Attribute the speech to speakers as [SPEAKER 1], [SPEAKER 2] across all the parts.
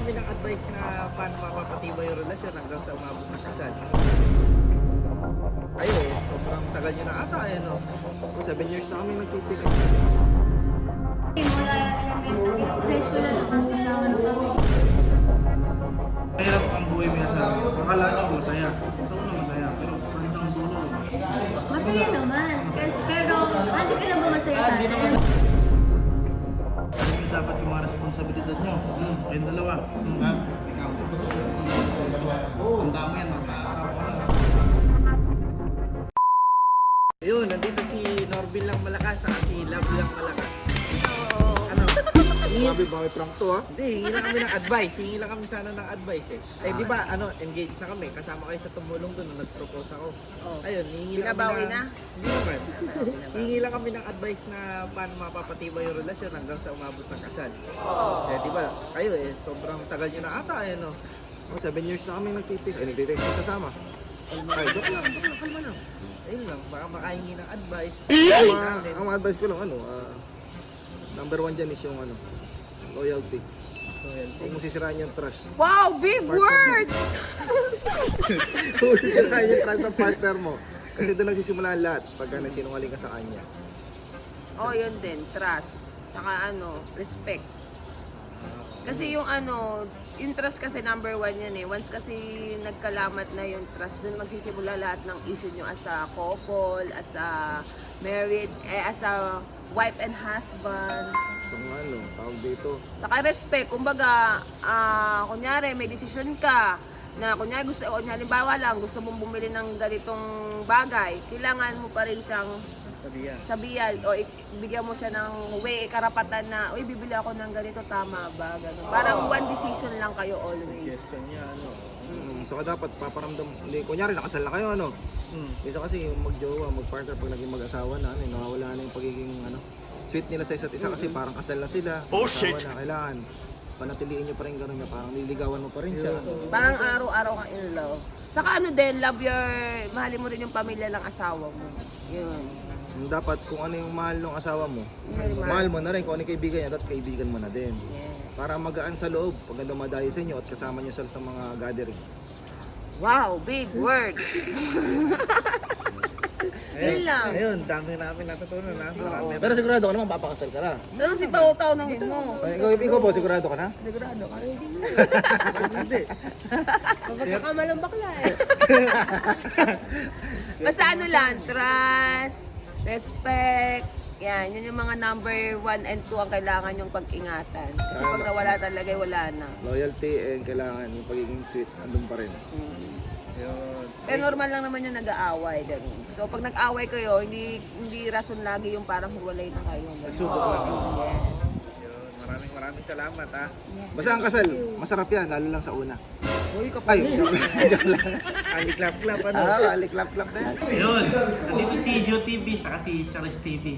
[SPEAKER 1] kami ng advice na paano mapapatibay yung relasyon hanggang sa umabot ng kasal. Kayo sobrang tagal nyo na ata no? 7 years na kami nagtipis.
[SPEAKER 2] Mula elementary, high school na nakakasama na kami.
[SPEAKER 1] Mahirap ang buhay mo sa akala nyo masaya. Sa una masaya, pero hanggang dulo.
[SPEAKER 2] Masaya naman. Pero, hindi ka na ba masaya sa atin?
[SPEAKER 1] Dapat yung mga responsibilidad nyo. Kayong dalawa. Ikaw. Ang dami yan, magkaasawa ka na. Ayun, nandito si Norvin lang malakas, saka si Love lang malakas. Ano?
[SPEAKER 3] Sabi ba may prank to ha?
[SPEAKER 1] Hindi, hingi lang kami ng advice. Hingi lang kami sana ng advice eh. Eh di ba, engaged na kami. Kasama kayo sa tumulong doon nung nag-propose ako. Ayun, hingi lang
[SPEAKER 4] Binabawi
[SPEAKER 1] kami
[SPEAKER 4] na?
[SPEAKER 1] Hindi naman. Hingi lang kami ng advice na paano mapapatibay yung relasyon hanggang sa umabot ng kasal. Eh di ba, kayo sobrang tagal nyo na ata no?
[SPEAKER 3] 7 years na kami nagtipis. Nagtitipis na kasama. Ay, joke lang, kalma lang.
[SPEAKER 1] Ayun lang, baka makahingi ng advice.
[SPEAKER 3] Ang advice ko lang, number 1 dyan is yung loyalty. Huwag mo sisiraan yung trust.
[SPEAKER 4] Wow, big word!
[SPEAKER 3] Huwag mo sisiraan yung trust ng partner mo. Kasi doon nagsisimula ang lahat pagka nagsinungaling ka sa kanya.
[SPEAKER 4] Oh, yun din, trust. Saka respect. Kasi yung yung trust kasi number 1 yan eh. Once kasi nagkalamat na yung trust, dun magsisimula lahat ng issue nyo as a couple, as a married, as a wife and husband.
[SPEAKER 3] So tawag dito.
[SPEAKER 4] Saka respect, kumbaga, kunyari may desisyon ka, na kunyari halimbawa lang, gusto mong bumili ng ganitong bagay, kailangan mo pa rin siyang sabihan o bigyan mo siya ng karapatan na, uy, bibili ako ng ganito, tama ba? Ganun. Parang one decision lang kayo always.
[SPEAKER 1] Suggestion niya,
[SPEAKER 3] Saka dapat paparamdam, kunyari nakasal na kayo, Isa kasi yung mag-jowa, mag-partner pag naging mag-asawa na, nawawala na yung pagiging, sweet nila sa isa't isa kasi parang kasal na sila. Oh shit! Na, kailangan panatiliin nyo pa rin gano'n na parang nililigawan mo pa rin siya.
[SPEAKER 4] Parang araw-araw kang in love. Saka din, mahalin mo rin yung pamilya ng asawa mo. Yun.
[SPEAKER 3] Dapat kung ano yung mahal ng asawa mo, mahal mo na rin kung ano yung kaibigan niya, dapat kaibigan mo na din.
[SPEAKER 4] Yes.
[SPEAKER 3] Para magaan sa loob pag dumadayo sa inyo at kasama niyo sa mga gathering.
[SPEAKER 4] Wow, big word! Yun lang.
[SPEAKER 1] Ayun, dami namin natutunan Marami.
[SPEAKER 3] Pero sigurado ka naman papakasal ka na.
[SPEAKER 4] Pero si Pao-Tao nang mo.
[SPEAKER 3] Ikaw po, sigurado ka na?
[SPEAKER 4] Sigurado ka rin.
[SPEAKER 1] Hindi.
[SPEAKER 4] Pagkakamalang bakla eh. Basta lang, trust, respect, yan, yun yung mga number 1 and 2 ang kailangan yung pag-ingatan. Kasi pag nawala talaga, wala na.
[SPEAKER 3] Loyalty and kailangan yung pagiging sweet, andun pa rin.
[SPEAKER 1] Yun.
[SPEAKER 4] Pero normal lang naman yung nag-aaway. Ganun. So pag nag-aaway kayo, hindi rason lagi yung parang hiwalay na kayo.
[SPEAKER 1] Subok lang.
[SPEAKER 4] Yes.
[SPEAKER 1] Yun, maraming salamat
[SPEAKER 3] Basta ang kasal, masarap yan, lalo lang sa una.
[SPEAKER 4] Uy, kapag
[SPEAKER 3] Ay, joke lang.
[SPEAKER 1] Aliklap-klap
[SPEAKER 3] Aliklap-klap na yan.
[SPEAKER 1] Ayun, nandito si Joe TV saka si Charis TV.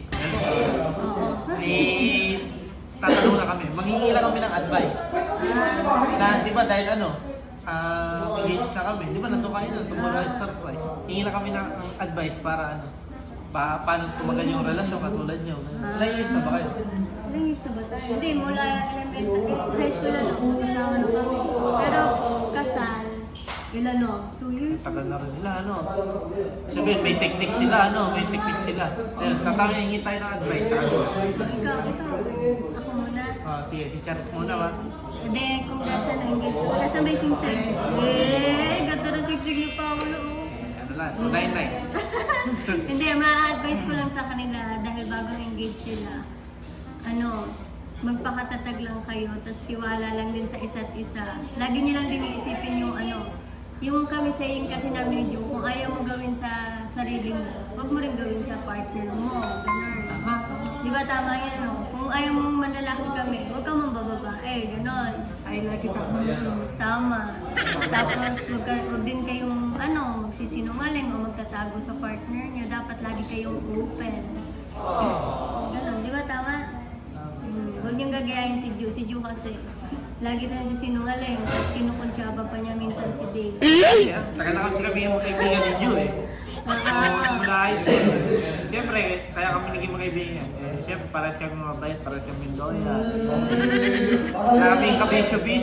[SPEAKER 1] Tatanong na kami, manghingi lang kami ng advice. Na, di ba dahil engaged na kami, di ba nandun kayo na, tumagal sa surprise. Hingi lang kami ng advice para paano tumagal yung relasyon katulad nyo. Ilang years na ba kayo?
[SPEAKER 2] Ilang years na ba tayo? Hindi, mula elementary, high school na nakakasama na kami. Pero kasal, 2 years.
[SPEAKER 1] Tagal na rin nila, Sabihin, may technique sila, may technique sila. Ayun, hingi tayo ng advice sa
[SPEAKER 2] Ikaw, ako muna.
[SPEAKER 1] Sige, si Charis muna ba?
[SPEAKER 2] Hindi, kung nasa na-engage mo. Nasa may singsig. Ganda na singsig ni Paolo.
[SPEAKER 1] Ano lang, 299.
[SPEAKER 2] Hindi, ma-advise ko lang sa kanila dahil bagong engage sila. Magpakatatag lang kayo, tapos tiwala lang din sa isa't isa. Lagi niyo lang din iisipin yung kami saying kasi namin yung kung ayaw mo gawin sa sarili mo, huwag mo rin gawin sa partner mo. Ganun. Di ba tama yan, Kung ayaw mo manlalaki kami, huwag kang mambababae. Ganon. Ay, lagi tama. Tapos, huwag din kayong, magsisinungaling o magtatago sa partner niyo. Dapat lagi kayong open. Ganon. Di ba tama? Huwag niyong gagayahin si Ju. Si Ju kasi, lagi na siya sinungaling. Kinukuntsaba pa niya minsan si Dave.
[SPEAKER 1] Tagal na kasi kami yung kaibigan ni Ju Mula high school. Siyempre, kaya kami naging magkaibigan. Siyempre, parehas kami mabait, parehas kami loyal. Kaya kami kabisyo-bisyo.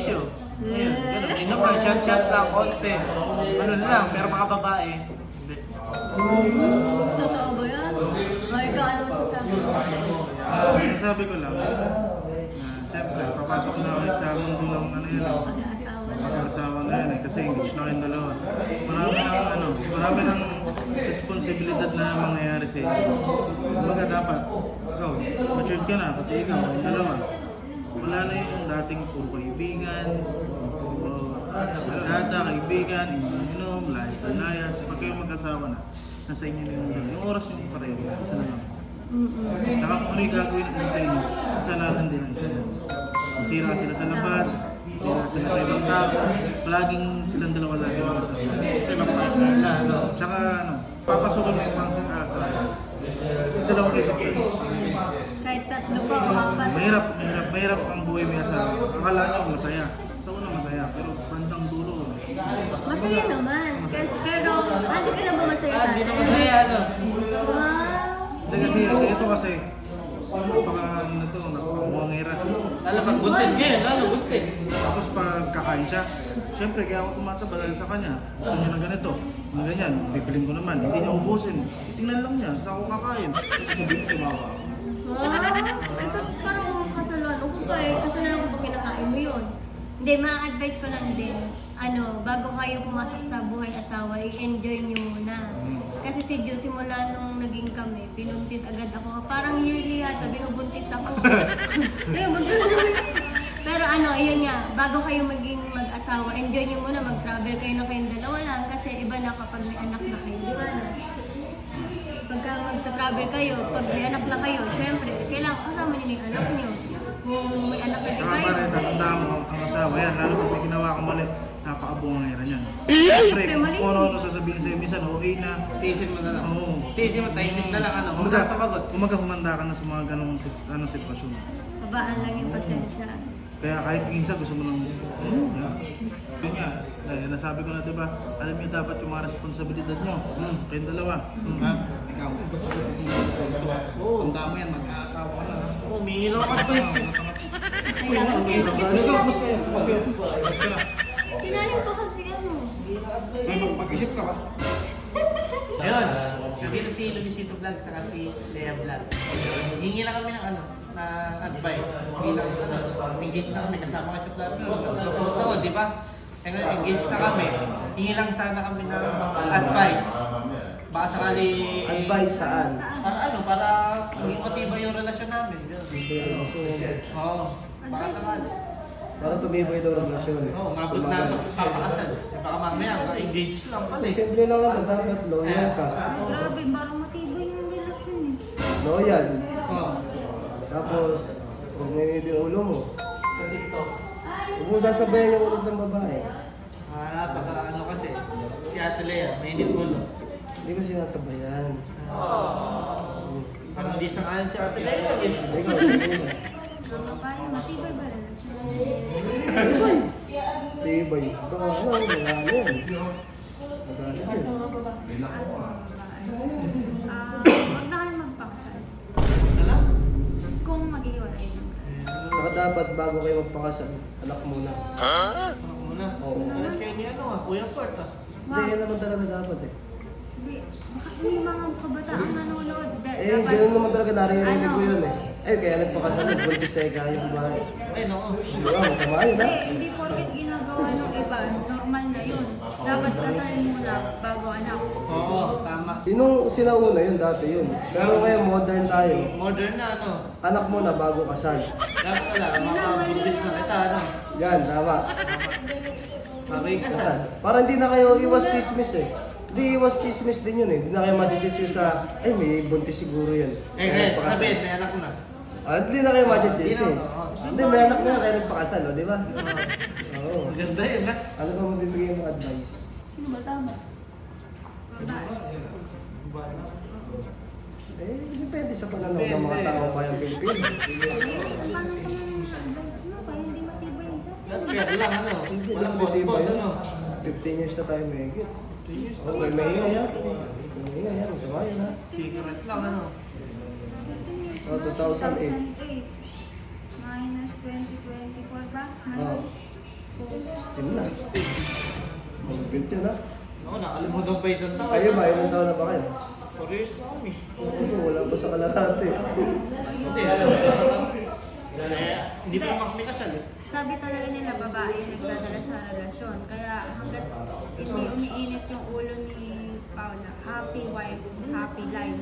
[SPEAKER 1] Ayan, ganun. Hindi naman, chat-chat lang, konti. Ano lang, pero mga babae, hindi.
[SPEAKER 2] Totoo ba yan? Ay, ikaw ano masasabi mo?
[SPEAKER 5] Sabi ko lang, siyempre, papasok na kayo sa mundo ng ano yun,
[SPEAKER 2] Mag-aasawa na.
[SPEAKER 5] mag-asawa na yan kasi engaged na kayong dalawa. Marami ng responsibilidad na mangyayari sa inyo. Kumbaga dapat, ikaw, matured ka na, pati ikaw, kayong dalawa. Wala na yung dating puro kaibigan, data, kaibigan, inom, layas. Pag kayo mag-asawa na, nasa inyo na yung oras yung pareho, isa na lang. Tsaka kung ano yung gagawin ng isa sa inyo, kasalanan din ang isa yan. Masira sila sa labas, masira sila sa ibang tao, palaging silang dalawa lagi mag-asawa. Sa ibang partner na, tsaka papasukin mo yung mga pag-asawa. Yung dalawang isip yun.
[SPEAKER 2] Kahit tatlo pa o apat.
[SPEAKER 5] Mahirap ang buhay may asawa. Akala nyo masaya. Sa una masaya, pero bandang dulo.
[SPEAKER 2] Masaya naman. Pero, hindi ka na ba masaya
[SPEAKER 1] Ah, hindi na
[SPEAKER 2] tatay?
[SPEAKER 1] masaya, ano.
[SPEAKER 2] Wow.
[SPEAKER 5] Hindi kasi ito kasi, napakamuangera.
[SPEAKER 1] Lalo pag buntis ngayon, lalo buntis.
[SPEAKER 5] Tapos pag kakain siya, syempre kaya ako tumataba dahil sa kanya. Gusto niya ng ganito, ng ganyan, bibiling ko naman. Hindi niya ubusin. Tingnan lang niya, sa ako kakain. Sabihin ko, tumawa ako.
[SPEAKER 2] Wow. Parang kasalanan ko pa eh. Kasalanan ko pag kinakain mo yun. Hindi, ma-advise ko lang din. Bago kayo pumasok sa buhay asawa, i-enjoy nyo muna. Kasi si Joe, simula nung naging kami, binuntis agad ako. Parang yearly yata, binubuntis ako. Pero yun nga, bago kayo maging mag-asawa, enjoy nyo muna, mag-travel kayo na kayong dalawa lang. Kasi iba na kapag may anak na kayo, di ba na? Pagka mag-travel kayo, pag may anak na kayo, syempre, kailangan kasama nyo yung anak nyo. Kung may anak na din
[SPEAKER 5] Saka
[SPEAKER 2] kayo.
[SPEAKER 5] pa rin, tatandaan mo ang asawa yan, lalo pag may ginawa ka mali, napakabungangera niyan. Siyempre,
[SPEAKER 2] mali.
[SPEAKER 5] kung ano sasabihin sa'yo, minsan okay na.
[SPEAKER 1] Tiisin mo na lang.
[SPEAKER 5] Oo.
[SPEAKER 1] Tiisin mo, tahimik na lang, Huwag
[SPEAKER 5] Kumaga,
[SPEAKER 1] na sumagot.
[SPEAKER 5] humanda ka na sa mga ganong sitwasyon.
[SPEAKER 2] Babaan lang yung pasensya.
[SPEAKER 5] Kaya kahit minsan gusto mo nang, yun nga, nasabi ko na diba, alam niyo dapat yung mga responsibilidad nyo, kayong dalawa. Ha? Ikaw, tanda mo yan, mag-aasawa ka na.
[SPEAKER 1] Umiinom ka pa yun.
[SPEAKER 2] Kaya kasi
[SPEAKER 5] Mas kayo.
[SPEAKER 2] sinaling ko kasi
[SPEAKER 5] Mag-isip ka ba?
[SPEAKER 1] Ayun, nandito si Luisito Vlog sa si Lea Vlog. Hingi lang kami ng na advice. Bilang engaged na kami, kasama kayo sa proposal, di ba? Engaged na kami. Hingi lang sana kami ng advice. Baka sakali...
[SPEAKER 3] Advice saan?
[SPEAKER 1] Para maging matibay yung relasyon namin. Oo, baka sakali.
[SPEAKER 3] Para tumibay daw ang relasyon.
[SPEAKER 1] Oo, mabot na papakasal. Baka mamaya, engaged lang pala eh.
[SPEAKER 3] Siyempre naman, dapat loyal ka.
[SPEAKER 2] grabe, parang matibay yung relasyon eh.
[SPEAKER 3] Loyal.
[SPEAKER 1] Oo.
[SPEAKER 3] Tapos, huwag may yung ulo mo. Huwag mo sasabayan yung ulo ng babae.
[SPEAKER 1] Pagka kasi, si Ate Lea, mainit ulo.
[SPEAKER 3] Hindi ko sinasabayan.
[SPEAKER 1] Parang di sangalan si Ate Lea.
[SPEAKER 3] Ay, ikaw, hindi mo.
[SPEAKER 2] Ang babae, matibay ba relasyon?
[SPEAKER 3] Tibay. Baka wala yan. Magalit yun.
[SPEAKER 6] Huwag na kayo magpakasal.
[SPEAKER 1] Wala?
[SPEAKER 6] Kung mag-iwalay lang kayo.
[SPEAKER 3] Saka dapat bago kayo magpakasal, anak muna.
[SPEAKER 1] Ako muna.
[SPEAKER 3] Oo.
[SPEAKER 1] Alas kayo ni Kuya Port
[SPEAKER 3] Hindi, yan naman talaga dapat eh.
[SPEAKER 6] Hindi, baka may mga kabataan nanonood.
[SPEAKER 3] Ganun naman talaga naririnig ko yun eh. Kaya nagpakasal, nagbuntis sa yung bahay.
[SPEAKER 1] Ay, no.
[SPEAKER 3] Di ba, masama yun ha?
[SPEAKER 6] Hindi porket ginagawa ng iba, normal na yun. Dapat kasalin muna bago anak.
[SPEAKER 1] Oo, tama.
[SPEAKER 3] Yung sinauna yun, dati yun. Pero ngayon, modern tayo.
[SPEAKER 1] Modern na,
[SPEAKER 3] Anak mo na bago kasal.
[SPEAKER 1] Dapat wala, makabundis na kita,
[SPEAKER 3] Yan, tama.
[SPEAKER 1] Mabay ka
[SPEAKER 3] Kasal. Para hindi na kayo iwas chismis eh. Hindi iwas chismis din yun eh. Hindi na kayo madichismis sa, ay may buntis siguro yun. Kaya nagpakasal.
[SPEAKER 1] sabihin, may anak ko na.
[SPEAKER 3] Hindi na kayo madichismis.
[SPEAKER 1] Hindi na,
[SPEAKER 3] Hindi, may anak na kaya nagpakasal, di ba? Oo.
[SPEAKER 1] Maganda yun,
[SPEAKER 3] Ano ba mabibigay mo advice?
[SPEAKER 6] Sino ba tama? Babae.
[SPEAKER 3] Depende sa pananaw ng mga taong bayang Pilipino.
[SPEAKER 6] Paano ka nang kaya hindi matibay yung sa
[SPEAKER 1] Kaya lang,
[SPEAKER 3] Hindi
[SPEAKER 1] walang
[SPEAKER 3] naman titiba
[SPEAKER 1] boss-boss,
[SPEAKER 3] yun. 15 years na tayo may higit. Okay, may ingay ha. May ingay ha. Masama yun ha.
[SPEAKER 1] Secret lang,
[SPEAKER 3] So, 2008.
[SPEAKER 6] Minus 2024 ba?
[SPEAKER 3] Oo.
[SPEAKER 6] Kung
[SPEAKER 7] 16 na. Magpint yun ha.
[SPEAKER 1] Ako, nakalimutan pa isang taon.
[SPEAKER 7] Kayo ba, ilang taon na ba kayo?
[SPEAKER 1] 4 years na kami.
[SPEAKER 7] Oo, wala pa sa kalahati.
[SPEAKER 1] Hindi, hindi pa naman kami kasal eh.
[SPEAKER 6] Sabi talaga nila babae yung nagdadala sa relasyon. Kaya hanggat hindi umiinit yung ulo ni Paula, happy wife, happy life.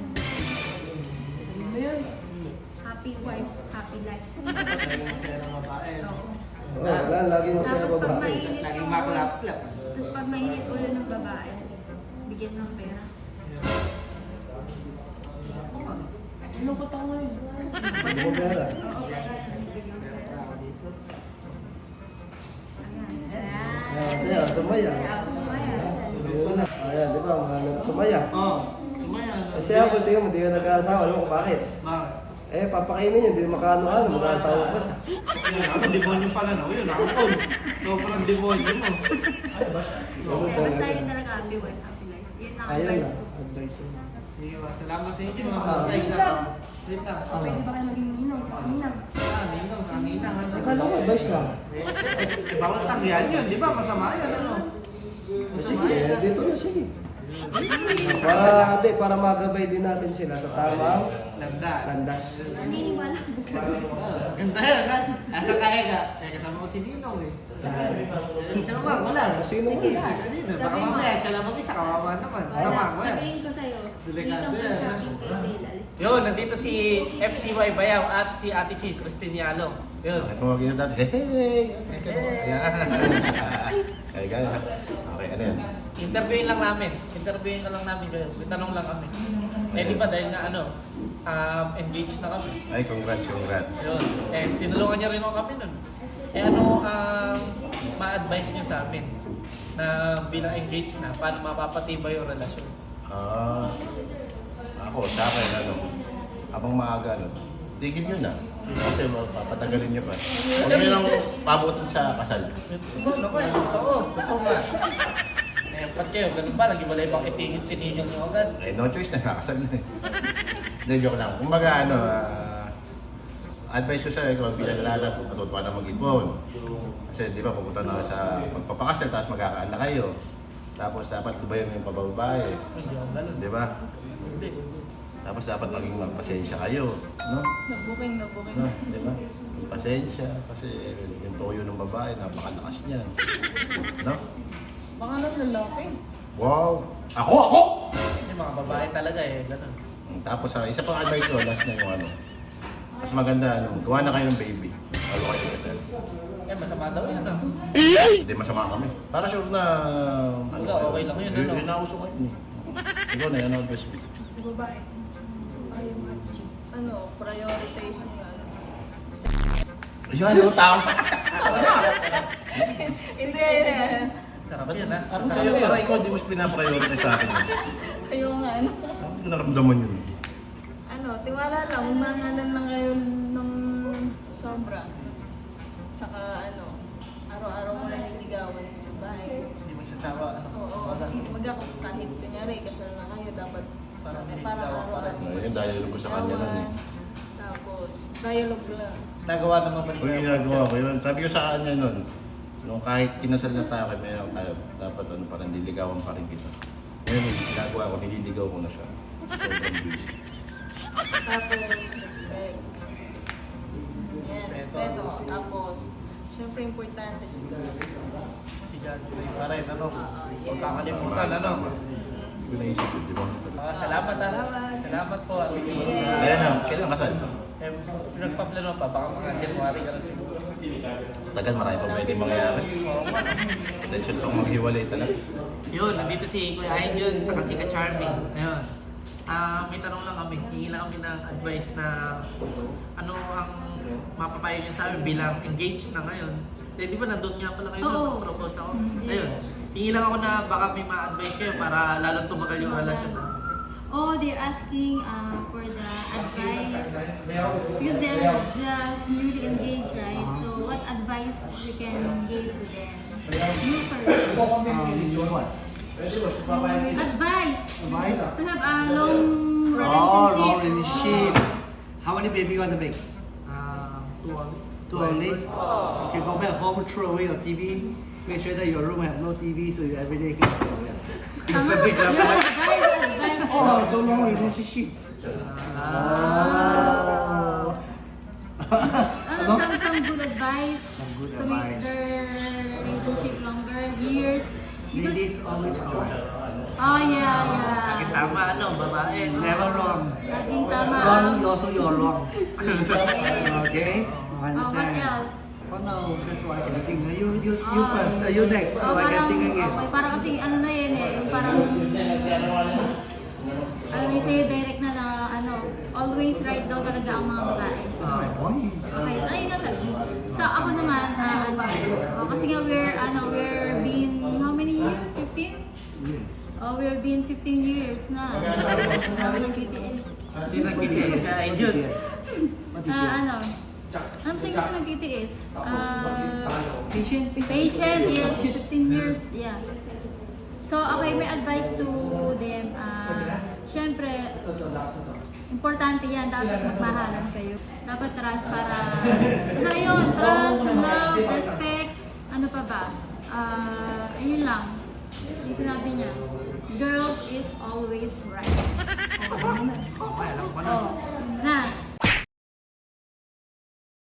[SPEAKER 6] Happy wife, happy life.
[SPEAKER 1] Masaya ng babae.
[SPEAKER 6] Oo.
[SPEAKER 7] Oo, wala, lagi masaya
[SPEAKER 6] Tapos pag
[SPEAKER 7] babae.
[SPEAKER 6] mainit
[SPEAKER 1] Laging
[SPEAKER 6] yung ulo,
[SPEAKER 1] maklap-klap.
[SPEAKER 6] tapos pag mainit ulo ng babae, bigyan ng pera.
[SPEAKER 4] Lungkot ako ngayon.
[SPEAKER 7] Hindi mo pera.
[SPEAKER 6] Oo, kaya bigyan ng pera. Ayan.
[SPEAKER 7] Masaya, sumaya. Ayun na. Ayan, di ba, mga sumaya.
[SPEAKER 1] Oo. Sumaya.
[SPEAKER 7] Kasi ako, tingnan mo, di ka nag-aasawa. Alam mo kung bakit?
[SPEAKER 1] Bakit?
[SPEAKER 7] Eh, papakainin yun, di makano-ano, mag-aasawa pa siya.
[SPEAKER 1] Yun, ako demonyo pala na. Yun, ako tol. Sobrang demonyo mo.
[SPEAKER 6] Kaya basta yun talaga happy wife, happy life. Yun ang
[SPEAKER 7] Ayun
[SPEAKER 6] advice
[SPEAKER 7] na,
[SPEAKER 6] ko.
[SPEAKER 7] advice yun.
[SPEAKER 1] Sige, salamat sa inyo mga guys. Wait lang.
[SPEAKER 6] Pwede ba kayo maging ninong? Ninang.
[SPEAKER 1] Ninong, ninang.
[SPEAKER 7] Akala ko, advice lang.
[SPEAKER 1] Bawal tanggihan yun, di ba? Masama yan, ano? Masama
[SPEAKER 7] Sige,
[SPEAKER 1] yan.
[SPEAKER 7] dito na, sige. Para magabay din natin sila sa tamang
[SPEAKER 1] Landas.
[SPEAKER 7] landas.
[SPEAKER 6] Naniniwala ko ka.
[SPEAKER 1] Ganda yan, ha? Nasa kaya ka. Kaya kasama ko si Ninong eh. Isa naman, wala.
[SPEAKER 7] Sino mo?
[SPEAKER 6] Sige.
[SPEAKER 1] Sino? Baka
[SPEAKER 6] Sabi mo.
[SPEAKER 1] mamaya siya lang mag-isa, kawawa naman. Sama ko yan.
[SPEAKER 6] Sabihin ko sa'yo,
[SPEAKER 1] Delikado
[SPEAKER 6] dito
[SPEAKER 1] yan,
[SPEAKER 6] sa shopping kay Dale.
[SPEAKER 1] Yun, nandito si FCY Bayaw at si Ate Chi, Christine Yalong. Yun.
[SPEAKER 8] Bakit mo mag-inat dati? Hey! Ayan. Kaya gaya. Okay, ano yan?
[SPEAKER 1] Interviewin lang namin. Interviewin ka lang namin kayo. May tanong lang kami. Eh di ba dahil nga ano, engaged na kami.
[SPEAKER 8] Ay, congrats.
[SPEAKER 1] Yun. Eh, tinulungan niya rin ako kami nun. Eh ano ma-advise niyo sa amin na bilang engaged na, paano mapapatibay yung relasyon?
[SPEAKER 8] Ako, sa akin, habang maaga, tigil yun na. Kasi papatagalin niyo pa. Huwag niyo lang pabutin sa kasal.
[SPEAKER 1] Totoo naman, totoo. Totoo nga. Eh, ba't kayo, ganun ba? Nag-iwalay bang itigil-tinigil niyo agad?
[SPEAKER 8] Eh, no choice na, nakasal na eh. Hindi, joke lang. Kumbaga, advice ko sa ikaw bilang lalaki, matuto ka na mag-ipon. Kasi di ba, pupunta na sa pagpapakasal, tapos magkakaanak kayo. Tapos dapat lubayan yung pababae.
[SPEAKER 1] Hindi ako ganun.
[SPEAKER 8] Di ba?
[SPEAKER 1] Hindi.
[SPEAKER 8] Tapos dapat maging magpasensya kayo. No?
[SPEAKER 4] Nabuking.
[SPEAKER 8] No? Di ba? Pasensya. Kasi yung toyo ng babae, napakalakas niyan. No?
[SPEAKER 4] Baka nang lalaki.
[SPEAKER 8] Wow! Ako!
[SPEAKER 1] Hindi, mga babae talaga eh, ganun.
[SPEAKER 8] Tapos isa pang advice ko, last na yung mas maganda, gawa na kayo ng baby. Bago kayo kasal.
[SPEAKER 1] Eh, masama daw yan ah.
[SPEAKER 8] Hindi masama kami. Para sure na...
[SPEAKER 1] Wala, okay lang yun, ano?
[SPEAKER 8] Yun na uso ngayon eh. Ikaw na yan, advice mo.
[SPEAKER 4] Sa babae. Ayaw prioritize niya.
[SPEAKER 8] Ayan, yung tama.
[SPEAKER 4] Hindi.
[SPEAKER 1] Sarap yan ah.
[SPEAKER 8] Para sa'yo, para ikaw di mo pinaprioritize sa akin.
[SPEAKER 4] Ayaw nga, ano.
[SPEAKER 8] Hindi ko naramdaman yun.
[SPEAKER 4] Tiwala lang. Umangalan lang kayo ng sobra. Tsaka, araw-araw mo lang niligawan yung babae.
[SPEAKER 1] Hindi magsasawa, ano.
[SPEAKER 4] Oo. Kahit kunyari, kasal na kayo, dapat
[SPEAKER 1] Parang nililigawan
[SPEAKER 4] parang
[SPEAKER 1] pa rin.
[SPEAKER 4] araw-araw.
[SPEAKER 8] Ayun, dialogue ko sa kanya nun eh.
[SPEAKER 4] Tapos, dialogue lang.
[SPEAKER 1] Nagawa naman ba
[SPEAKER 8] Kung ginagawa ko yun, sabi ko sa kanya nun, nung kahit kinasal na tayo, meron tayo, dapat parang nililigawan pa rin kita. Ngayon, ginagawa ko, nililigaw ko na siya. Sobrang busy.
[SPEAKER 4] Tapos, respect. Yan, respeto. Tapos, syempre importante si God.
[SPEAKER 1] Si John Joy pa rin, ano.
[SPEAKER 4] Yes.
[SPEAKER 1] Huwag kakalimutan, ano.
[SPEAKER 8] Hindi ko naisip yun, di ba?
[SPEAKER 1] Salamat ah. Salamat po, Ate Chi.
[SPEAKER 8] Ayan na, kailan kasal?
[SPEAKER 1] Eh, pinagpaplano pa, baka mga January ka lang siguro.
[SPEAKER 8] Tagal, marami pa pwede mangyayari.
[SPEAKER 1] Oo nga.
[SPEAKER 8] Attention pang maghiwalay talaga.
[SPEAKER 1] Yun, nandito si Kuya Ayun sa Kasika Charming. Ayun. May tanong lang kami. Hihingi lang kami ng advice na ano ang mapapayo niyo sa amin bilang engaged na ngayon. Eh, di ba nandun nga pala kayo
[SPEAKER 2] Oo.
[SPEAKER 1] nung propose ako? Ayun. Hihingi lang ako na baka may ma-advise kayo para lalong tumagal yung relasyon.
[SPEAKER 2] Oh, they're asking for the advice because they're just newly engaged, right? So, what advice we can give to them? You first. Advice to have a long relationship.
[SPEAKER 9] How many baby you want to make?
[SPEAKER 1] 2 only.
[SPEAKER 9] too early. You can go back home, throw away your TV, make sure that your room have no TV so you every day can go.
[SPEAKER 2] Tama. Advice.
[SPEAKER 9] Oh, so long relationship.
[SPEAKER 2] Some good advice
[SPEAKER 9] Some good
[SPEAKER 2] to make
[SPEAKER 9] advice.
[SPEAKER 2] their relationship longer, years. Because,
[SPEAKER 9] Ladies always correct.
[SPEAKER 2] oh yeah.
[SPEAKER 1] Lagi tama, ano, babae.
[SPEAKER 9] Never wrong.
[SPEAKER 2] Laging tama.
[SPEAKER 9] Wrong, also you're wrong. Okay? I
[SPEAKER 2] Oh, what
[SPEAKER 9] understand.
[SPEAKER 2] else?
[SPEAKER 9] For now, that's why I can think. You first, you next, so I can think again.
[SPEAKER 2] Okay, parang kasi ano na yun eh, yung parang alam niyo sa'yo direct na ano, always right daw talaga ang mga babae.
[SPEAKER 9] That's my point.
[SPEAKER 2] Okay, ay nasa. So ako naman, kasi nga we're been, how many years? 15?
[SPEAKER 9] Yes.
[SPEAKER 2] Oh, we're been 15 years na. Sabi ng BTS.
[SPEAKER 1] Sino nag-BTS ka, Angel?
[SPEAKER 2] Ano sa'yo kasi nag-BTS?
[SPEAKER 9] Patient.
[SPEAKER 2] Patient, yes, 15 years, yeah. So, okay, may advice to them. Siyempre, importante yan. Dapat magmahalan kayo. Dapat trust para... Basta yun, trust, love, respect. Ano pa ba? Ayun lang. Yung sinabi niya, girls is always right.
[SPEAKER 1] Okay, alam ko na.